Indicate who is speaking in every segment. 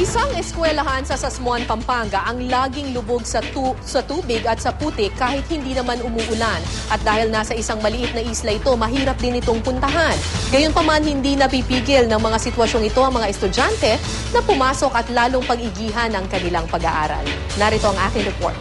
Speaker 1: Isang eskwelahan sa Sasmuan, Pampanga ang laging lubog sa tubig at sa putik kahit hindi naman umuulan. At dahil nasa isang maliit na isla ito, mahirap din itong puntahan. Gayunpaman, hindi napipigil ng mga sitwasyong ito ang mga estudyante na pumasok at lalong pag-igihan ang kanilang pag-aaral. Narito ang aking report.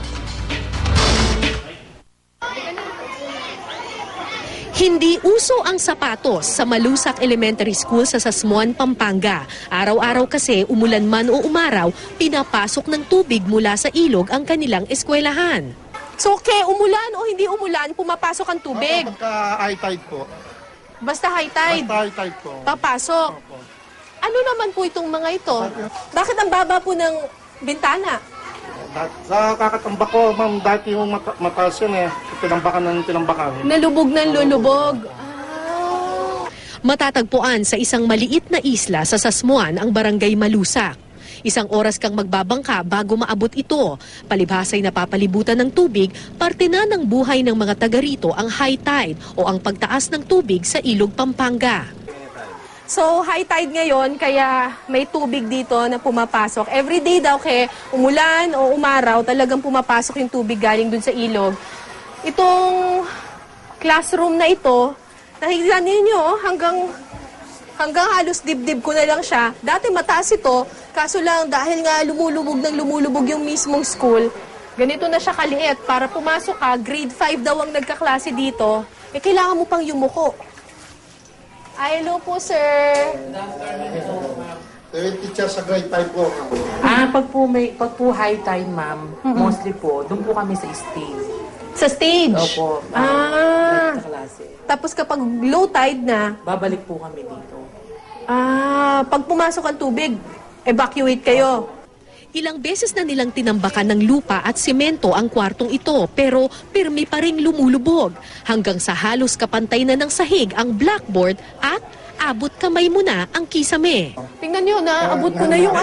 Speaker 1: Hindi uso ang sapatos sa Malusak Elementary School sa Sasmuan, Pampanga. Araw-araw kasi, umulan man o umaraw, pinapasok ng tubig mula sa ilog ang kanilang eskwelahan. So, umulan o hindi umulan, pumapasok ang tubig?
Speaker 2: Pagka high tide po.
Speaker 1: Basta high tide?
Speaker 2: Basta high tide po.
Speaker 1: Papasok?
Speaker 2: Opo.
Speaker 1: Ano naman po itong mga ito? Bakit ang baba po ng bintana?
Speaker 2: Sa kakatambak ko, ma'am, dati yung mataas yan eh. Tinambakan ng tinambakan.
Speaker 1: Nalubog ng lulubog. Matatagpuan sa isang maliit na isla sa Sasmuan ang Barangay Malusak. Isang oras kang magbabangka bago maabot ito. Palibhasa'y napapalibutan ng tubig, parte na ng buhay ng mga taga rito ang high tide o ang pagtaas ng tubig sa Ilog Pampanga. So, high tide ngayon, kaya may tubig dito na pumapasok. Every day daw, umulan o umaraw, talagang pumapasok yung tubig galing dun sa ilog. Itong classroom na ito, nakikita ninyo, hanggang halos dibdib ko na lang siya. Dati mataas ito, kaso lang dahil nga lumulubog yung mismong school, ganito na siya kaliit. Para pumasok ka, grade 5 daw ang nagkaklase dito, kailangan mo pang yumuko. Hello po, sir.
Speaker 2: Teacher sa grade 5 po.
Speaker 3: Pag po high tide, ma'am, mostly po, doon po kami sa stage.
Speaker 1: Sa stage?
Speaker 3: Opo. Klase.
Speaker 1: Tapos kapag low tide na,
Speaker 3: Babalik po kami dito.
Speaker 1: pag pumasok ang tubig, evacuate kayo. Ilang beses na nilang tinambakan ng lupa at semento ang kwartong ito, pero pirmi pa ring lumulubog. Hanggang sa halos kapantay na ng sahig ang blackboard at abot kamay mo na ang kisame. Tingnan nyo, naabot ko na yung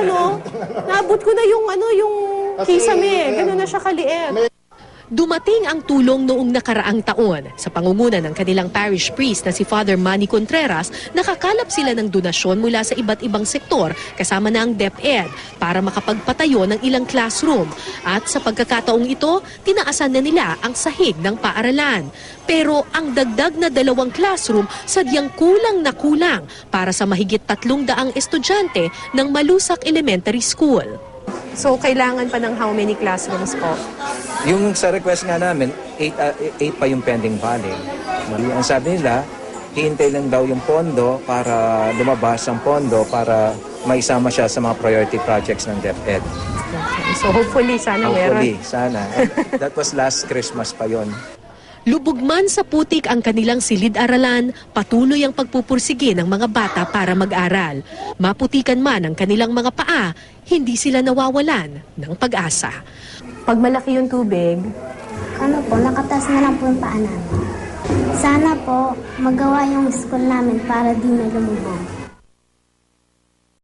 Speaker 1: yung kisame. Ganun na siya kaliit. Dumating ang tulong noong nakaraang taon. Sa pangunguna ng kanilang parish priest na si Father Manny Contreras, nakakalap sila ng donasyon mula sa iba't ibang sektor kasama na ang DepEd para makapagpatayo ng ilang classroom. At sa pagkakataong ito, tinaasan na nila ang sahig ng paaralan. Pero ang dagdag na 2 classroom sadyang kulang na kulang para sa mahigit 300 estudyante ng Malusak Elementary School. So, kailangan pa ng how many classrooms po?
Speaker 4: Yung sa request nga namin, 8 pa yung pending filing. Ang sabi nila, hihintay lang daw yung pondo para lumabas ang pondo para maisama siya sa mga priority projects ng DepEd.
Speaker 1: Okay. So, hopefully, sana meron.
Speaker 4: Hopefully, sana. That was last Christmas pa yon.
Speaker 1: Lubog man sa putik ang kanilang silid-aralan, patuloy ang pagpupursige ng mga bata para mag-aral. Maputikan man ang kanilang mga paa, hindi sila nawawalan ng pag-asa. Pag malaki yung tubig,
Speaker 5: nakatas na lang po yung paa namin. Sana po magawa yung school namin para di na lumubog.